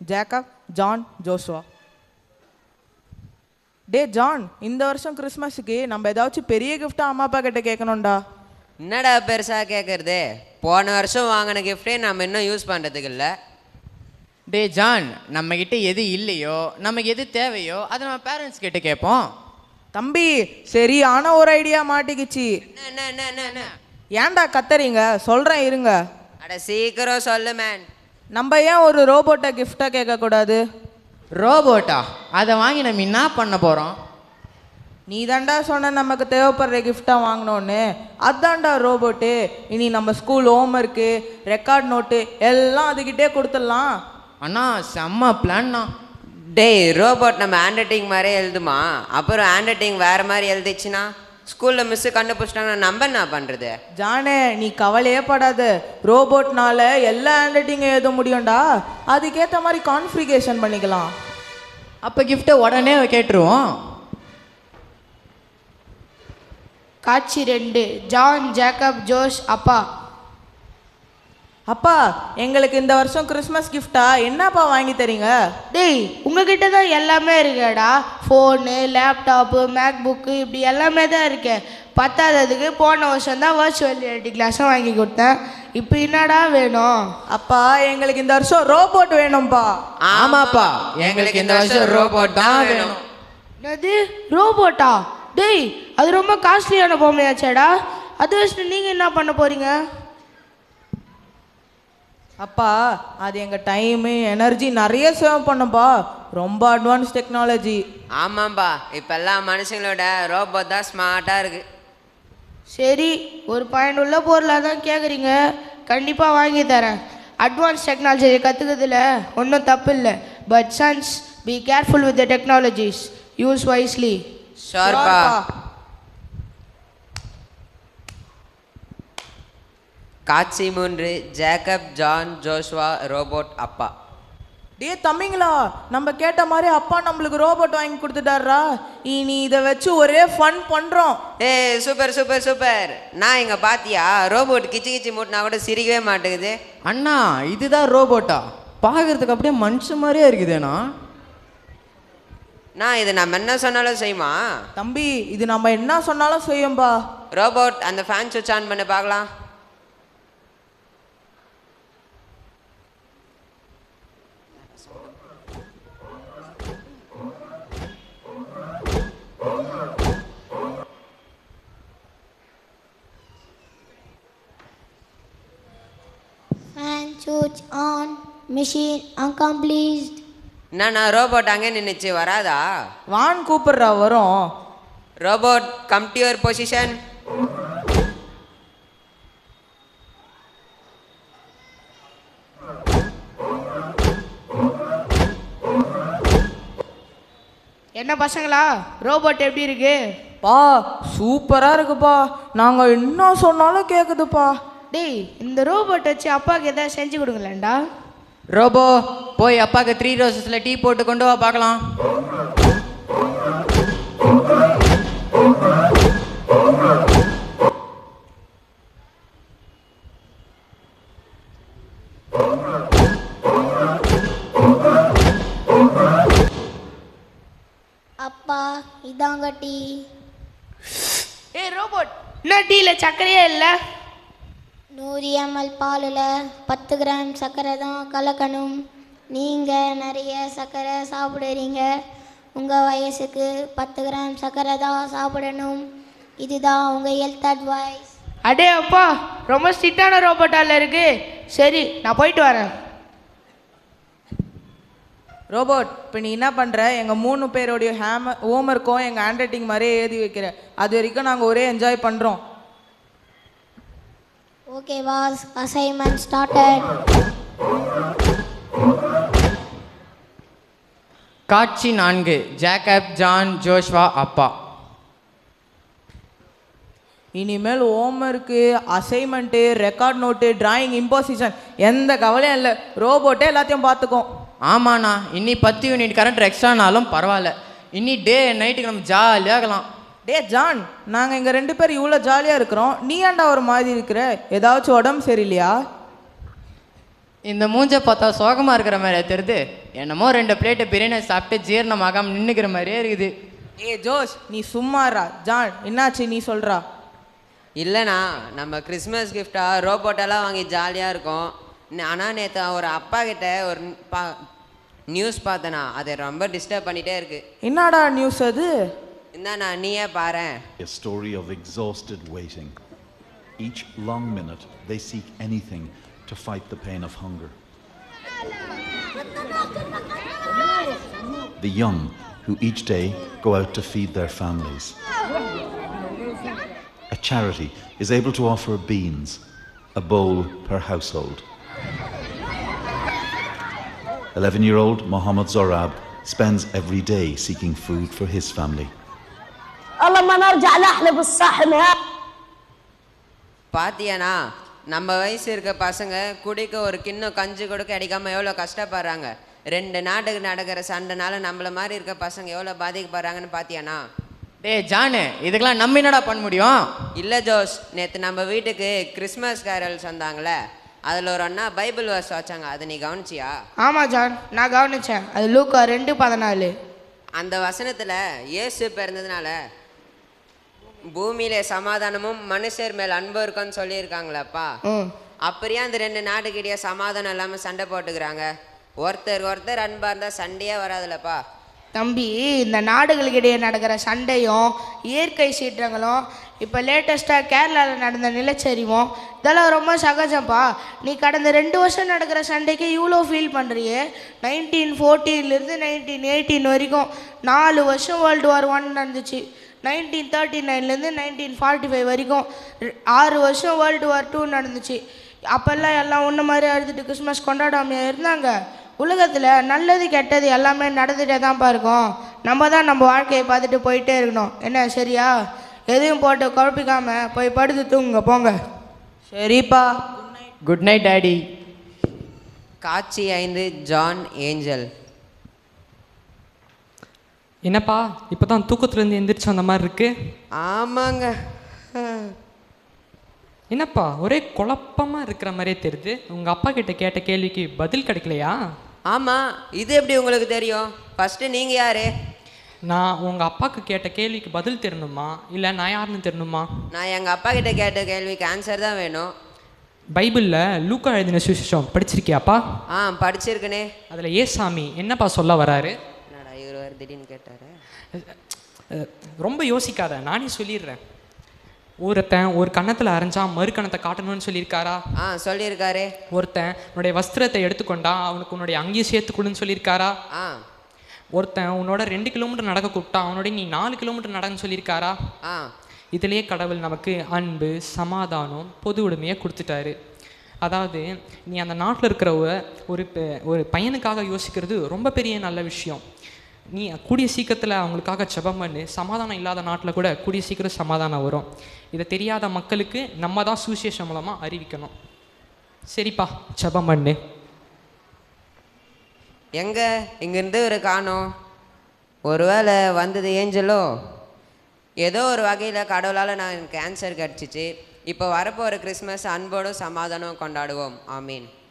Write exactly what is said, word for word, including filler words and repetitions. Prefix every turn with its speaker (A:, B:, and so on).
A: Jacob John Joshua. டே John, இந்த வருஷம் கிறிஸ்மஸுக்கு நம்ம ஏதாச்சும் பெரிய கிஃப்டாக அம்மா அப்பா கிட்ட கேட்கணும்டா.
B: என்னடா பெருசாக கேட்குறது? போன வருஷம் வாங்கின கிஃப்டே நம்ம இன்னும் யூஸ் பண்ணுறதுக்கு இல்லை.
C: டே ஜான், நம்மக்கிட்ட எது இல்லையோ நமக்கு எது தேவையோ அதை நம்ம பேரண்ட்ஸ் கிட்ட கேட்போம்.
A: தம்பி, சரியான ஒரு ஐடியா மாட்டிக்கிச்சு.
B: என்ன என்ன என்ன என்ன
A: ஏன்டா கத்துறீங்க? சொல்கிறேன் இருங்க.
B: அட சீக்கிரம் சொல்லு மேன்.
A: நம்ம ஏன் ஒரு ரோபோட்டை கிஃப்டாக கேட்கக்கூடாது?
C: ரோபோட்டா? அதை வாங்கி நம்ம என்ன பண்ண போகிறோம்?
A: நீ தாண்டா சொன்ன நமக்கு தேவைப்படுற கிஃப்டாக வாங்கினோன்னு. அதான்டா ரோபோட்டு. இனி நம்ம ஸ்கூல் ஹோம்ஒர்க்கு, ரெக்கார்ட் நோட்டு எல்லாம் அதுக்கிட்டே கொடுத்துடலாம்.
C: அண்ணா செம்ம பிளான்னா.
B: டேய், ரோபோட் நம்ம ஹேண்ட் ரைட்டிங் மாதிரியே எழுதுமா? அப்புறம் ஹேண்ட் ரைட்டிங் வேறு மாதிரி எழுதிச்சுன்னா ஸ்கூலில் மிஸ்ஸு கண்டுபிடிச்சிட்டாங்கன்னா நம்ம என்ன பண்ணுறது?
A: ஜானே, நீ கவலையே படாத. ரோபோட்னால எல்லா ஹேண்ட் ரைட்டிங்கும் எழுத முடியும்டா. அதுக்கேற்ற மாதிரி கான்ஃபிகரேஷன் பண்ணிக்கலாம்.
C: அப்போ கிஃப்ட்டை உடனே கேட்டுருவோம்.
D: காட்சி ரெண்டு. ஜான், ஜேக்கப், ஜோஷ் அப்பா.
A: அப்பா, எங்களுக்கு இந்த வருஷம் கிறிஸ்மஸ் கிஃப்டா என்னப்பா வாங்கி தரீங்க?
D: டேய், உங்ககிட்ட தான் எல்லாமே இருக்கேடா. ஃபோனு, லேப்டாப்பு, மேக் புக்கு இப்படி எல்லாமே தான் இருக்கு. பத்தாததுக்கு போன வருஷம் தான் வர்ச்சுவல் ரியாலிட்டி கிளாஸும் வாங்கி கொடுத்தேன். இப்போ என்னடா வேணும்?
A: அப்பா, எங்களுக்கு இந்த வருஷம் ரோபோட் வேணும்ப்பா.
C: ஆமாப்பா, எங்களுக்கு இந்த வருஷம் ரோபோட் தான் வேணும்.
D: என்னது ரோபோட்டா? டேய், அது ரொம்ப காஸ்ட்லியான பொம்மையாச்சேடா. அது வச்சுட்டு நீங்கள் என்ன பண்ண போகிறீங்க?
A: அப்பா, அது எங்கள் டைமு எனர்ஜி நிறைய சேவ் பண்ணும்பா. ரொம்ப அட்வான்ஸ் டெக்னாலஜி.
B: ஆமாம்பா, இப்போ எல்லாம் மனுஷங்களோட ரோபோட் தான் ஸ்மார்ட்டாக இருக்குது.
D: சரி, ஒரு பயனுள்ள பொருளாக தான் கேட்குறீங்க. கண்டிப்பாக வாங்கி தரேன். அட்வான்ஸ் டெக்னாலஜியை கற்றுக்கிறதுல ஒன்றும் தப்பு இல்லை. But sons, be careful with the technologies. Use wisely.
B: ஷோர்ப்பா. காட்சி மூன்று. ஜேக்கப், ஜான், ஜோஷுவா ரோபோட் அப்பா.
A: டே தம்பிங்களா, நம்ம கேட்ட மாதிரி அப்பா நம்மளுக்கு ரோபோட் வாங்கி கொடுத்துட்டாரா. இனி இதை வச்சு ஒரே ஃபன் பண்ணுறோம்.
B: ஏ சூப்பர் சூப்பர் சூப்பர். நான் இங்கே பாத்தியா, ரோபோட் கிச்சு கிச்சு மூட்டினா கூட சிரிக்கவே மாட்டேங்குது.
C: அண்ணா, இதுதான் ரோபோட்டா? பார்க்கறதுக்கு அப்படியே மனுஷன் மாதிரியே இருக்குதுண்ணா.
B: நான் இது நம்ம என்ன சொன்னாலும் செய்யுமா?
A: தம்பி, இது நம்ம என்ன சொன்னாலும் செய்யும்பா.
B: ரோபோட், அந்த ஃபேன் சுவிட்ச் ஆன் பண்ணி பார்க்கலாம்.
E: Fan switch on. Machine accomplished.
B: என்னண்ணா, ரோபோட் அங்கே நின்றுச்சு, வராதா?
A: வான் கூப்பிடுறா, வரும்.
B: Robot, come to your position.
D: என்ன பசங்களா, ரோபோட் எப்படி இருக்கு?
A: பா, சூப்பராக இருக்குப்பா. நாங்கள் என்ன சொன்னாலும் கேட்குதுப்பா.
D: டேய், இந்த ரோபோட் வச்சு அப்பாவுக்கு எதாவது செஞ்சு கொடுங்களேன்டா.
C: ரோபோ, போய் அப்பாவுக்கு த்ரீ ரோசஸில் டீ போட்டு கொண்டு வா பார்க்கலாம்.
E: அப்பா, இதாங்க டீ.
D: ஏய் ரோபோட், என்ன டீயில் சர்க்கரையே இல்லை?
E: நூறு எம்எல் பாலில் பத்து கிராம் சர்க்கரை தான் கலக்கணும். நீங்கள் நிறைய சர்க்கரை சாப்பிடுறீங்க. உங்கள் வயசுக்கு பத்து கிராம் சர்க்கரை தான் சாப்பிடணும். இதுதான் உங்கள் ஹெல்த் அட்வைஸ்.
D: அடே அப்பா, ரொம்ப ஸ்ட்ரிக்டான ரோபோட்டால இருக்கு. சரி, நான் போயிட்டு வரேன்.
A: ரோபோட், இப்போ நீ என்ன பண்ணுற? எங்கள் மூணு பேரோடைய ஹேம ஹோம்ஒர்க்கும் எங்கள் ஹேண்ட் ரைட்டிங் மாதிரியே எழுதி வைக்கிற. அது வரைக்கும் நாங்கள் ஒரே என்ஜாய் பண்ணுறோம்.
E: Okay was, assignment started.
C: காட்சி நான்கு. ஜேக்கப், ஜான், ஜோஷ்வா அப்பா.
A: இனிமேல் homework, assignment, record note, drawing, imposition எந்த கவலையும் இல்லை. ரோபோட்டே எல்லாத்தையும் பார்த்துக்கும்.
C: ஆமாண்ணா, இன்னி பத்து யூனிட் கரண்ட் எக்ஸ்ட்ரானாலும் பரவாயில்ல. இன்னி டே நைட்டுக்கு நம்ம ஜாலியாக இருக்கலாம்.
A: டே ஜான், நாங்கள் இங்கே ரெண்டு பேர் இவ்வளோ ஜாலியாக இருக்கிறோம், நீ ஏன்டா ஒரு மாதிரி இருக்கிற? ஏதாச்சும் உடம்பு சரியில்லையா?
C: இந்த மூஞ்சை பார்த்தா சோகமாக இருக்கிற மாதிரி தெரியுது. என்னமோ ரெண்டு பிளேட்டு பிரியாணி சாப்பிட்டு ஜீரணமாகாம நின்றுக்கிற மாதிரியே இருக்குது.
A: ஏ ஜோஷ், நீ சும்மாறா. ஜான், என்னாச்சு நீ சொல்றா?
B: இல்லைண்ணா, நம்ம கிறிஸ்மஸ் கிஃப்டாக ரோபோட்டெல்லாம் வாங்கி ஜாலியாக இருக்கும். ஆனால் நேற்று ஒரு அப்பா கிட்ட ஒரு பா நியூஸ் பார்த்தேண்ணா, அதை ரொம்ப டிஸ்டர்ப் பண்ணிகிட்டே இருக்கு.
A: என்னடா நியூஸ் அது?
B: இந்தாண்ணா நீயே பாரேன்.
F: A story of exhausted waiting. Each long minute they seek anything to fight the pain of hunger. The young who each day go out to feed their families. A charity is able to offer beans, a bowl per household. eleven-year-old Mohammed Zorab spends every day seeking food for his family.
B: பாத்தியாண்ணா, நம்ம வயசு இருக்க பசங்க குடிக்க ஒரு கிண்ணம் கஞ்சி கொடுக்க அடிக்காமல் எவ்வளோ கஷ்டப்படுறாங்க. ரெண்டு நாட்டுக்கு நடக்கிற சண்டைனால நம்மள மாதிரி இருக்க பசங்க எவ்வளோ பாதிக்கப்படுறாங்கன்னு பாத்தியாண்ணா?
C: டே ஜானு, இதுக்கெல்லாம் நம்ம என்னடா பண்ண முடியும்?
B: இல்லை ஜோஸ், நேற்று நம்ம வீட்டுக்கு கிறிஸ்மஸ் கேரல்ஸ் வந்தாங்களே, அதில் ஒரு அண்ணா பைபிள் வர்ஸ் வச்சாங்க. அதை நீ கவனிச்சியா?
D: ஆமாம் ஜான், நான் கவனித்தேன். அது லூக்கா ரெண்டு பதினாலு.
B: அந்த வசனத்தில் இயேசு பிறந்ததுனால பூமியில சமாதானமும் மனுஷர் மேல் அன்பு இருக்குன்னு சொல்லியிருக்காங்களப்பா. அப்படியே அந்த ரெண்டு நாட்டுக்கிட்டே சமாதானம் இல்லாமல் சண்டை போட்டுக்கிறாங்க. ஒருத்தர் ஒருத்தர் அன்பா இருந்தால் சண்டையே வராதுல்லப்பா.
D: தம்பி, இந்த நாடுகளுக்கிடையே நடக்கிற சண்டையும் இயற்கை சீற்றங்களும் இப்போ லேட்டஸ்ட்டாக கேரளாவில் நடந்த நிலச்சரிவும் இதெல்லாம் ரொம்ப சகஜம்ப்பா. நீ கடந்த ரெண்டு வருஷம் நடக்கிற சண்டைக்கு இவ்வளோ ஃபீல் பண்ணுறியே. நைன்டீன் ஃபோர்டீன்லேருந்து நைன்டீன் எயிட்டீன் வரைக்கும் நாலு வருஷம் வேர்ல்டு வார் ஒன் நடந்துச்சு. நைன்டீன் தேர்ட்டி நைன்லேருந்து நைன்டீன் ஃபார்ட்டி ஃபைவ் வரைக்கும் ஆறு வருஷம் வேர்ல்டு வார் டூ நடந்துச்சு. அப்போல்லாம் எல்லாம் ஒன்று மாதிரி அழுதுட்டு கிறிஸ்மஸ் கொண்டாடாமையாக இருந்தாங்க. உலகத்தில் நல்லது கெட்டது எல்லாமே நடந்துகிட்டே தான்ப்பா இருக்கும். நம்ம தான் நம்ம வாழ்க்கையை பார்த்துட்டு போயிட்டே இருக்கணும். என்ன சரியா? எதையும் போட்டு குழப்பிக்காமல் போய் படுத்து தூங்குங்க போங்க.
A: சரிப்பா.
C: Good night daddy.
B: காட்சி ஐந்து. John Angel.
G: என்னப்பா இப்போ தான் தூக்கத்துலேருந்து எந்திரிச்சு அந்த மாதிரி இருக்கு?
B: ஆமாங்க.
G: என்னப்பா ஒரே குழப்பமாக இருக்கிற மாதிரியே தெரியுது. உங்கள் அப்பா கிட்ட கேட்ட கேள்விக்கு பதில் கிடைக்கலையா?
B: ஆமாம், இது எப்படி உங்களுக்கு தெரியும்? ஃபஸ்ட்டு நீங்கள் யார்?
G: நான் உங்கள் அப்பாவுக்கு கேட்ட கேள்விக்கு பதில் தெரியணுமா இல்லை நான் யாருன்னு தெரியணுமா?
B: நான் எங்கள் அப்பா கிட்ட கேட்ட கேள்விக்கு ஆன்சர் தான் வேணும்.
G: பைபிளில் லூக்கா எழுதின சுவிசேஷம் படிச்சிருக்கியாப்பா?
B: ஆ, படிச்சிருக்கனே.
G: அதில் ஏசாமி என்னப்பா சொல்ல வராரு?
B: என்னடா இவர் வேறு திடீர்னு கேட்டார்.
G: ரொம்ப யோசிக்காத, நானே சொல்லிடுறேன். ஒருத்தன் ஒரு கன்னத்தில் அரைஞ்சா மறு கணத்தை காட்டணும்னு சொல்லியிருக்காரா?
B: ஆ, சொல்லியிருக்காரு.
G: ஒருத்தன் உன்னுடைய வஸ்திரத்தை எடுத்துக்கொண்டா அவனுக்கு உன்னுடைய அங்கேயே சேர்த்துக்கொள்ளுன்னு சொல்லியிருக்காரா?
B: ஆ.
G: ஒருத்தன் உன்னோட ரெண்டு கிலோமீட்டர் நடக்க கூப்பிட்டா அவனோட நீ நாலு கிலோமீட்டர் நடன்னு சொல்லியிருக்காரா?
B: ஆ.
G: இதிலேயே கடவுள் நமக்கு அன்பு, சமாதானம், பொது உடைமையை கொடுத்துட்டாரு. அதாவது நீ அந்த நாட்டில் இருக்கிற ஒரு ஒரு பையனுக்காக யோசிக்கிறது ரொம்ப பெரிய நல்ல விஷயம். நீ கூடிய சீக்கிரத்தில் அவங்களுக்காக ஜெபம் பண்ணு. சமாதானம் இல்லாத நாட்டில் கூட கூடிய சீக்கிரம் சமாதானம் வரும். இதை தெரியாத மக்களுக்கு நம்ம தான் சுவிசேஷம் மூலமாக அறிவிக்கணும். சரிப்பா, ஜெபம் பண்ணு.
B: எங்க இங்கேருந்து ஒரு காணோம். ஒருவேளை வந்தது ஏஞ்சலோ? ஏதோ ஒரு வகையில் கடவுளால் நான் எனக்கு ஆன்சர் கிடச்சிச்சு. இப்போ வரப்போ ஒரு கிறிஸ்மஸ் அன்போடும் சமாதானம் கொண்டாடுவோம். ஆமீன்.